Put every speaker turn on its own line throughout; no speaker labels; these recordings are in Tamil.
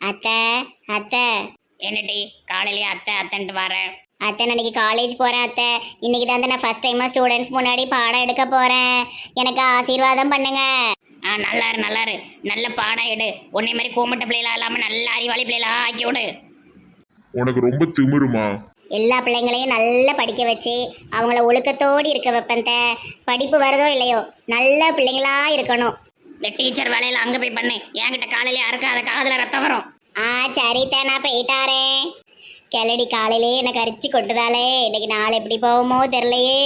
அத்தை அத்தை.
என்னடி காலையிலேயே அத்தை அத்தைன்ட்டு வரேன்.
அத்தை நான் இன்னைக்கு காலேஜ் போகிறேன் அத்தை. இன்னைக்கு தான் நான் ஃபர்ஸ்ட் டைமாக ஸ்டூடெண்ட்ஸ் முன்னாடி பாடம் எடுக்க போகிறேன். எனக்கு ஆசீர்வாதம் பண்ணுங்க.
நல்லாரு நல்லாரு, நல்ல பாடம் எடு. உன்னை மாதிரி கூமட்ட பிள்ளைகளா இல்லாமல் நல்ல அறிவாளி பிள்ளைகளா ஆக்கி விடு.
உனக்கு ரொம்ப திமிருமா?
எல்லா பிள்ளைங்களையும் நல்லா படிக்க வச்சு அவங்கள ஒழுக்கத்தோடு இருக்க வைப்பேன். படிப்பு வருதோ இல்லையோ நல்ல பிள்ளைங்களா இருக்கணும்.
இந்த டீச்சர் வேலையில அங்கே போய் பண்ணு. என்கிட்ட காலையிலே அறுக்காத, காதில் ரத்தம் வரும்.
சரித்தே நான் போயிட்டாரேன். கிளடி காலையிலே எனக்கு அரிச்சு கொட்டுதாலே. இன்னைக்கு நாள் எப்படி போகுமோ தெரிலையே.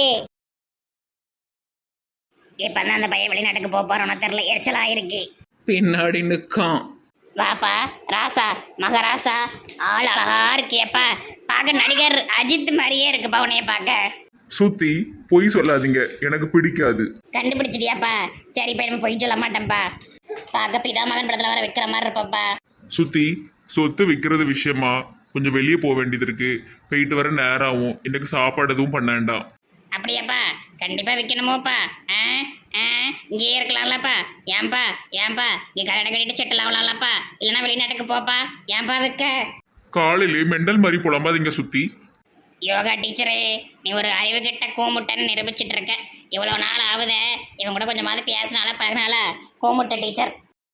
இப்போ தான் அந்த பையன் வெளிநாட்டுக்கு போக போகிறோன்னு தெரில, எரிச்சலாக இருக்கு.
பின்னாடி நிற்கான்.
வாப்பா ராசா, மகராசா, ஆள் அழகா இருக்கியப்பா. பார்க்க நடிகர் அஜித் மாதிரியே இருக்குப்பா உன்னைய பார்க்க.
சுத்தி பொய் சொல்லாதீங்க, எனக்கு பிடிக்காது.
கண்டுபிடிச்சிட்டியாப்பா? சரி இப்போ நம்ம பொய் சொல்ல மாட்டேன்ப்பா. பார்க்க பிதாமகன் படத்தில் வர வைக்கிற மாதிரி இருப்பப்பா.
சுத்தி சொத்து விற்கிறது விஷயமா கொஞ்சம் வெளியே போக வேண்டியது இருக்கு. போயிட்டு வர நேரம் ஆகும். எனக்கு சாப்பாடு எதுவும் பண்ண வேண்டாம்.
அப்படியாப்பா? கண்டிப்பாக விற்கணுமோப்பா. இங்கேயே இருக்கலாம்லப்பா. ஏன்பா ஏன்பா இங்கே கல்யாணம் கட்டிட்டு செட்டில் ஆகலாம்லப்பா. இல்லைன்னா வெளிநாட்டுக்கு போப்பா. ஏன்பா விற்க?
காலையிலே மெண்டல் மாதிரி புலம்பாதீங்க சுத்தி.
யோகா டீச்சரே, நீ ஒரு அறிவு கிட்ட கூமுட்டன்னு நிரூபிச்சிட்டு இருக்க. இவ்வளோ நாள் ஆகுத இவங்க கூட கொஞ்சமாவது பேசினால பழகினால கூமுட்ட டீச்சர்.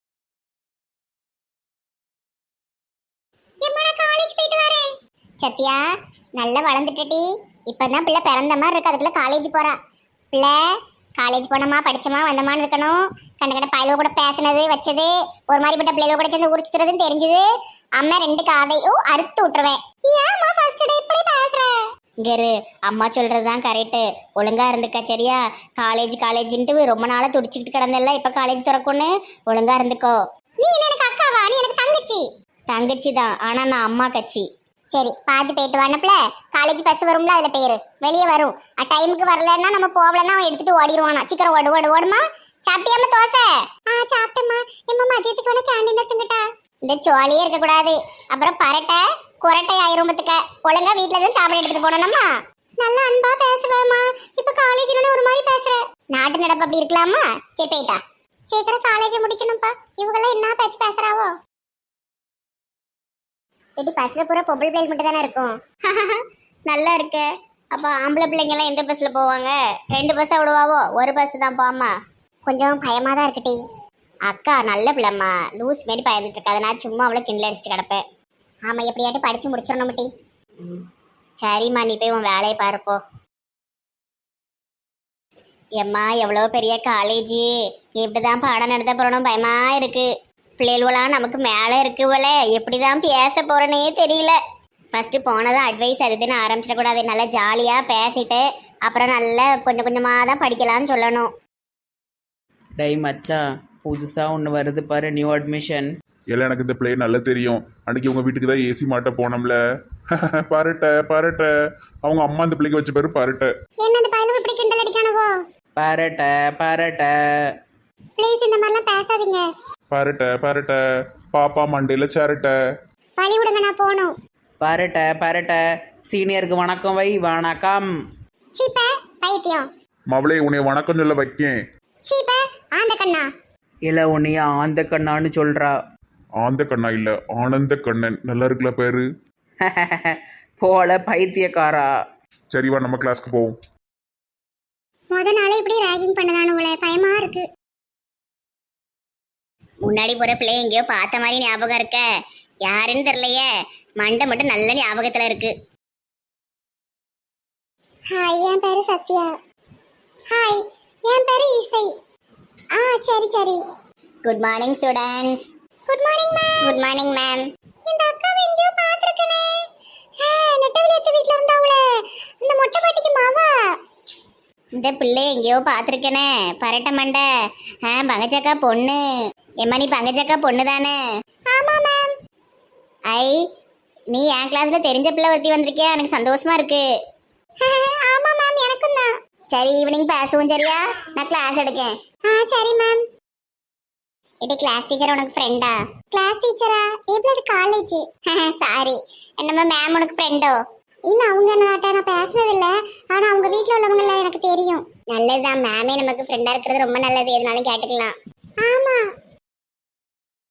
காலேஜ் போயிட்டு வரேன். சத்யா நல்லா வளர்ந்துட்டடி. இப்பதான் பிள்ளை பிறந்த மாதிரி இருக்கு. அதுக்குள்ள காலேஜ் போறா. பிள்ளை காலேஜ் போனோமா படிச்சோமா வந்தமான்னு இருக்கணும். கண்ட கண்ட பயலோ கூட பேசினது வச்சது ஒரு மாதிரிப்பட்ட பிள்ளைகள கூட சேர்ந்து உரிச்சுறதுன்னு தெரிஞ்சது. அம்மா ரெண்டு காதையும் அறுத்து விட்டுருவேன். ஏமா ஃபர்ஸ்ட் டே இப்படி பேசுற? இங்கரு அம்மா சொல்றதுதான் கரெக்டு. ஒழுங்கா இருந்துக்க சரியா? காலேஜ்ன்ட்டு ரொம்ப நாளா துடிச்சுக்கிட்டு கிடந்தல. இப்ப காலேஜ் திறக்கும்னு ஒழுங்கா இருந்துக்கோ. நீ எனக்கு அக்காவா? நீ எனக்கு தங்கச்சி. தங்கச்சி தான், ஆனா நான் அம்மா கட்சி. சரி பார்த்து போயிட்டு வானப்பல. காலேஜ் பஸ் வரும்ல, அதுல பேரு வெளியே வரும். டைமுக்கு வரலன்னா நம்ம போகலன்னா அவன் எடுத்துட்டு ஓடிடுவானா. சீக்கிரம் ஓடு ஓடு ஓடுமா. சாப்பிட்டியாம தோசை? சாப்பிட்டேம்மா. எம்மா மதியத்துக்கு வேணா கேண்டீன்ல திங்கட்டா? இந்த சோழியே இருக்க கூடாது, அப்புறம் பரட்டை குரட்டை ஆயிரும். பத்துக்க ஒழுங்கா வீட்டுல தான் சாப்பிட எடுத்துட்டு போனோம்மா. நல்லா அன்பா பேசுவேம்மா. இப்ப காலேஜ்ல ஒரு மாதிரி பேசுற. நாட்டு நடப்பு அப்படி இருக்கலாமா? சரி போயிட்டா. சீக்கிரம் காலேஜ் முடிக்கணும்ப்பா. இவங்கெல்லாம் என்ன பேச்சு பேசுறாவோ? எடி பஸ்ல பூரா பொம்பளை பிள்ளைகள் மட்டும் தானே இருக்கும். நல்லா இருக்கு. அப்ப ஆம்பளை பிள்ளைங்க எல்லாம் எந்த பஸ்ல போவாங்க? 2 பஸ்ஸா விடுவாவோ? ஒரு பஸ் தான் போமா. கொஞ்சம் பயமா தான் இருக்குடி. அக்கா நல்ல பிள்ளைம்மா, லூஸ் மாரி பயந்துட்டு இருக்காது. நான் சும்மா அவளை கிண்டல் அடிச்சுட்டு கிடப்பேன். ஆமா எப்படியாட்டி படிச்சு முடிச்சிடணும் டி. சரிம்மா நீ போய் உன் வேலையை பாருப்போ. எம்மா எவ்வளோ பெரிய காலேஜ். எப்படிதான் பாடம் நடத்த போறணும் பயமா இருக்கு. பிள்ளைகளாம் நமக்கு மேலே இருக்கு போல. எப்படிதான் பேச போறேனே தெரியல. ஃபர்ஸ்ட் போனதான் அட்வைஸ் அதுன்னு ஆரம்பிச்சிடக்கூடாது. நல்லா ஜாலியாக பேசிட்டு அப்புறம் நல்லா கொஞ்சம் கொஞ்சமாக தான் படிக்கலாம்னு சொல்லணும்.
டை மச்சா, புதுசாக ஒன்று வருது பாரு, நியூ அட்மிஷன்.
எல்லாம் எனக்கு இந்த பிள்ளை நல்லா தெரியும். அன்னைக்கு உங்க வீட்டுக்கு தான் ஏசி மாட்ட போனோம்ல. பரட்ட பரட்ட அவங்க அம்மா இந்த பிள்ளைக்கு வச்ச பேரு பரட்ட.
என்ன இந்த பயலுக்கு இப்படி கிண்டல் அடிக்கானவோ?
பரட்ட பரட்ட.
ப்ளீஸ் இந்த மாதிரிலாம் பேசாதீங்க.
பரட்ட பரட்ட பாப்பா மண்டையில சேரட்ட.
வழி விடுங்க நான் போகணும்.
பரட்ட பரட்ட. சீனியருக்கு வணக்கம் வை. வணக்கம்.
சீப்ப பைத்தியம்.
மவளே உன்னை வணக்கம் சொல்ல வைக்கேன்.
சீப்ப ஆந்த கண்ணா.
இல்லை உன்னைய ஆந்த கண்ணான்னு சொல்கிறா.
ஆந்த கண்ணா இல்ல ஆனந்த கண்ணன். நல்லா இருக்குல்ல பேரு?
போல பைத்தியக்காரா.
சரிவா நம்ம கிளாஸ்க்கு போவோம்.
முத நாளே இப்படி ராகிங் பண்ணதானு உங்களை பயமா இருக்கு. முன்னாடி போற பிள்ளைய எங்கேயோ பார்த்த மாதிரி ஞாபகம் இருக்க. யாருன்னு தெரியலையே. மண்டை மட்டும் நல்ல ஞாபகத்துல இருக்கு. ஹாய் என் பேரு சத்யா. ஹாய் என் பேரு இசை. சரி சரி. Good morning students. Good morning ma'am. Good morning ma'am. இந்த அக்காவை எங்கேயோ பார்த்திருக்கனே. நெட்டவெளியத்து வீட்ல இருந்தாவளே, இந்த மொட்டை பாட்டிக்கு மாவா. இந்த பிள்ளை எங்கேயோ பார்த்துருக்கேனே. பரட்ட மண்டை. பங்கச்சக்கா பொண்ணு. எம்மா நீ பங்கச்சக்கா பொண்ணு தானே? ஆமா மேம். ஐ நீ என் கிளாஸ்ல தெரிஞ்ச பிள்ளை ஒருத்தி வந்திருக்கியா? எனக்கு சந்தோஷமா இருக்கு. ஆமா மேம் எனக்கும் தான். சரி ஈவினிங் பேசுவோம் சரியா? நான் கிளாஸ் எடுக்கேன். சரி மேம். இது கிளாஸ் டீச்சர் உனக்கு ஃப்ரெண்டா? கிளாஸ் டீச்சரா? எப்படி அது காலேஜ்? சாரி. என்னம்மா மேம் உனக்கு ஃப்ரெண்டோ? இல்ல அவங்க நாட்ட நான் பேசுனது இல்ல. ஆனா அவங்க வீட்ல உள்ளவங்க எல்லாம் எனக்கு தெரியும். நல்லதுதான். மேமே நமக்கு ஃப்ரெண்டா இருக்கிறது ரொம்ப நல்லது. எதுனாலும் கேட்டுக்கலாம். ஆமா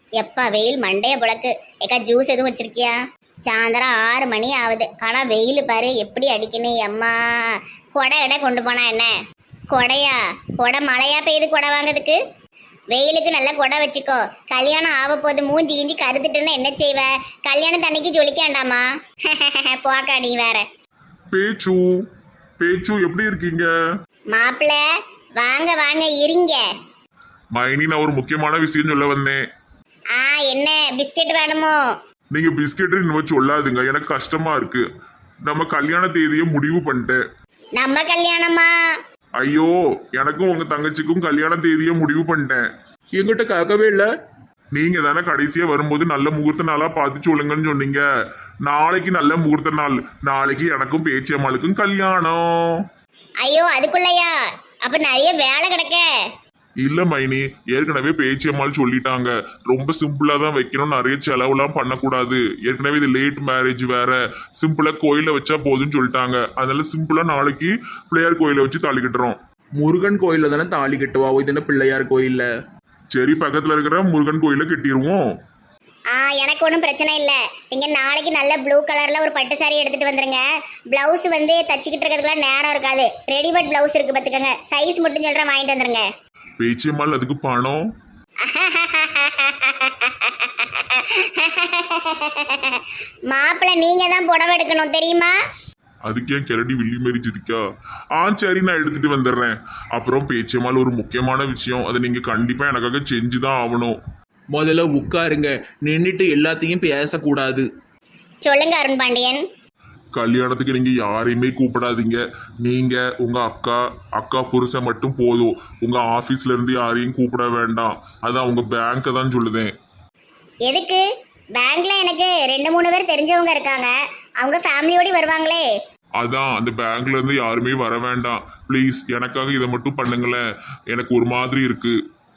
எப்பா வெயில் மண்டைய புழக்கு. ஏக்கா ஜூஸ் எதுவும் வச்சிருக்கியா? சாயந்தரம் 6 மணி ஆகுது, ஆனா வெயில் பாரு எப்படி அடிக்கணும். அம்மா கொடை கடை கொண்டு போனா என்ன? கொடையா? கொடை மழையா பெய்யுது கொடை வாங்கிறதுக்கு? வெயிலுக்கு நல்ல கொடை வச்சுக்கோ. கல்யாணம் ஆக போது மூஞ்சி கிஞ்சி கருத்துட்டுன்னா என்ன செய்வ? கல்யாணம் தண்ணிக்கு ஜொலிக்காண்டாமா? போக்கா நீ வேற.
பேச்சு பேச்சு எப்படி இருக்கீங்க?
மாப்பிள்ள வாங்க வாங்க இருங்க.
மைனி, நான் ஒரு முக்கியமான விஷயம் சொல்ல வந்தேன்.
என்ன பிஸ்கெட் வேணுமோ?
நீங்க பிஸ்கெட் இன்னும் சொல்லாதுங்க, எனக்கு கஷ்டமா இருக்கு. நம்ம கல்யாண தேதியை முடிவு பண்ணிட்டேன்.
நம்ம கல்யாணமா?
ஐயோ, எனக்கும் உங்க தங்கச்சிக்கும் கல்யாண தேதியை முடிவு பண்ணிட்டேன்.
எங்கிட்ட கேட்கவே இல்லை.
நீங்க தானே கடைசியா வரும்போது நல்ல முகூர்த்த நாளா பார்த்து சொல்லுங்கன்னு சொன்னீங்க. நாளைக்கு நல்ல முகூர்த்த நாள். நாளைக்கு எனக்கும் பேச்சியம்மாளுக்கும் கல்யாணம்.
ஐயோ அதுக்குள்ளயா? அப்ப நிறைய வேலை கிடக்க.
இல்ல மைனி, ஏற்கனவே பேச்சியம்மாள் சொல்லிட்டாங்க, ரொம்ப சிம்பிளா தான் வைக்கணும், நிறைய செலவுலாம் பண்ணக்கூடாது. ஏற்கனவே இது லேட் மேரேஜ் வேற, சிம்பிளா கோயில வச்சா போதுன்னு சொல்லிட்டாங்க. அதனால சிம்பிளா நாளைக்கு பிள்ளையார் கோயில வச்சு தாலி கட்டுறோம்.
முருகன் கோயிலில் தானே தாலி கட்டுவா, இது என்ன பிள்ளையார் கோயிலில்?
சரி, பக்கத்துல இருக்கிற முருகன் கோயில கட்டிடுவோம்.
எனக்கு ஒன்றும் பிரச்சனை இல்லை. நீங்க நாளைக்கு நல்ல ப்ளூ கலர்ல ஒரு பட்டு சாரி எடுத்துட்டு வந்துருங்க. பிளவுஸ் வந்து தச்சுக்கிட்டு இருக்கிறதுக்குலாம் நேரம் இருக்காது. ரெடிமேட் பிளவுஸ் இருக்கு பார்த்துக்கங்க. சைஸ் மட்டும் சொல்றேன், வாங்கிட்டு வந்துருங்க.
பேச்சியம்மாள் அதுக்கு பணம்?
மாப்பிள்ள நீங்க தான் புடவை எடுக்கணும் தெரியுமா?
அதுக்கு ஏன் கிரடி வில்லி மாரி சிரிக்கா? சரி, நான் எடுத்துட்டு வந்துடுறேன். அப்புறம் பேச்சியம்மாள் ஒரு முக்கியமான விஷயம், அதை நீங்க கண்டிப்பா எனக்காக செஞ்சுதான் ஆகணும்.
முதல்ல உட்காருங்க, நின்றுட்டு எல்லாத்தையும் பேசக்கூடாது.
சொல்லுங்க அருண் பாண்டியன்.
கல்யாணத்துக்கு நீங்க யாரையுமே கூப்பிடாதீங்க. நீங்க உங்க அக்கா புருஷன் மட்டும் போதும். உங்க ஆபீஸ்ல இருந்து யாரையும் கூப்பிட வேண்டாம். அதான் உங்க பேங்கை தான் சொல்லுதேன்.
எதுக்கு? பேங்க்ல எனக்கு 2-3 பேர் தெரிஞ்சவங்க இருக்காங்க. அவங்க ஃபேமிலியோட வருவாங்களே.
அதான் அந்த பேங்க்ல இருந்து யாருமே வர வேண்டாம் ப்ளீஸ். எனக்காக இதை மட்டும் பண்ணுங்களேன், எனக்கு ஒரு மாதிரி இருக்கு.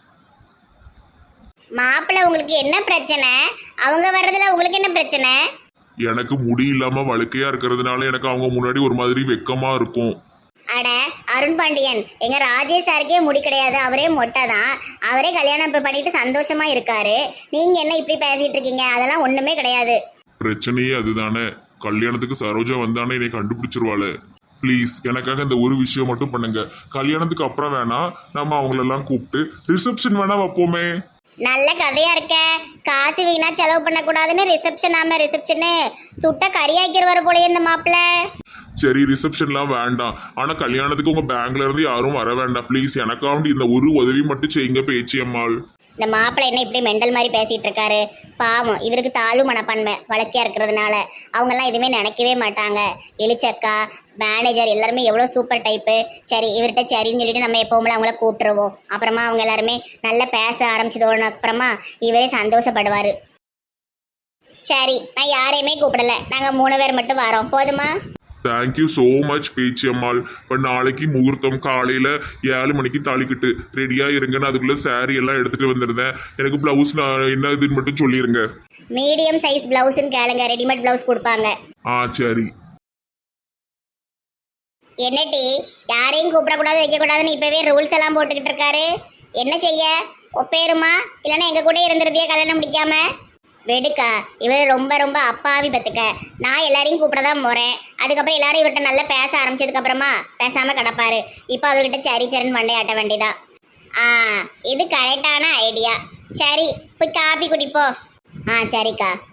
மாப்பிள்ள உங்களுக்கு என்ன பிரச்சனை? அவங்க வர்றதுல உங்களுக்கு என்ன பிரச்சனை?
எனக்கு முடி இல்லாம வழுக்கையா இருக்கிறதுனால எனக்கு அவங்க முன்னாடி ஒரு மாதிரி வெக்கமா இருக்கும்.
அட அருண் பாண்டியன், எங்க ராஜேஷ் சாருக்கே முடி கிடையாது, அவரே மொட்டை தான். அவரே கல்யாணம் பண்ணிட்டு சந்தோஷமா இருக்காரு. நீங்க என்ன இப்படி பேசிட்டு இருக்கீங்க? அதெல்லாம் ஒண்ணுமே கிடையாது.
பிரச்சனையே அதுதானே. கல்யாணத்துக்கு சரோஜா வந்தானே என்னை கண்டுபிடிச்சிருவாளு. ப்ளீஸ் எனக்காக இந்த ஒரு விஷயம் மட்டும் பண்ணுங்க. கல்யாணத்துக்கு அப்புறம் வேணா நம்ம அவங்களெல்லாம் கூப்பிட்டு ரிசப்ஷன் வேணா வைப்போமே.
நல்ல கதையா இருக்க. காசு வீணா செலவு பண்ணக்கூடாதுன்னு ரிசப்ஷனு சுட்ட கறியாக்கிடுவார் போலயே இந்த மாப்பிள்ள.
சரி, ரிசப்ஷன்லாம் வேண்டாம். ஆனா கல்யாணத்துக்கு உங்க பேங்க்ல இருந்து யாரும் வர வேண்டாம் ப்ளீஸ். எனக்காண்டி இந்த ஒரு உதவி மட்டும் செய்யுங்க பேச்சியம்மாள்.
இந்த மாப்பிள்ளை என்ன இப்படி மெண்டல் மாதிரி பேசிட்டு இருக்காரு? பாவம், இவருக்கு தாழ்வு மனப்பான்மை வழக்கியா இருக்கிறதுனால அவங்கெல்லாம் எதுவுமே நினைக்கவே மாட்டாங்க. எலிச்சக்கா மேனேஜர் எல்லாருமே எவ்வளோ சூப்பர் டைப்பு. சரி, இவர்கிட்ட சரின்னு சொல்லிட்டு நம்ம எப்பவுமே அவங்கள கூப்பிட்டுருவோம். அப்புறமா அவங்க எல்லாருமே நல்லா பேச ஆரம்பிச்சதோட அப்புறமா இவரே சந்தோஷப்படுவார். சரி, நான் யாரையுமே கூப்பிடல, நாங்கள் 3 பேர் மட்டும் வரோம், போதுமா?
Thank you so much Pechiammal. இப்போ நாளைக்கு முகூர்த்தம் காலையில் 7 மணிக்கு தாலிக்கிட்டு ரெடியாக இருங்கன்னு அதுக்குள்ளே சாரி எல்லாம் எடுத்துகிட்டு வந்துருந்தேன். எனக்கு ப்ளவுஸ் நான் என்ன இதுன்னு மட்டும் சொல்லிடுங்க.
மீடியம் சைஸ் பிளவுஸ்ன்னு கேளுங்க, ரெடிமேட் பிளவுஸ் கொடுப்பாங்க.
சரி.
என்னட்டி யாரையும் கூப்பிடக்கூடாது வைக்கக்கூடாதுன்னு இப்போவே ரூல்ஸ் எல்லாம் போட்டுக்கிட்டு இருக்காரு. என்ன செய்ய? ஒப்பேருமா இல்லைன்னா எங்கள் கூட இருந்துருதியே கல்யாணம் முடிக்காம? வெடுக்கா, இவர் ரொம்ப ரொம்ப அப்பாவி பத்துக்க. நான் எல்லாரையும் கூப்பிட தான் போகிறேன். அதுக்கப்புறம் எல்லாரும் இவர்கிட்ட நல்லா பேச ஆரம்பிச்சதுக்கப்புறமா பேசாமல் கிடப்பாரு. இப்போ அவர்கிட்ட சரி சரின்னு மண்டையாட்ட வேண்டியதான். இது கரெக்டான ஐடியா. சரி, போய் காப்பி குடிப்போ. சரிக்கா.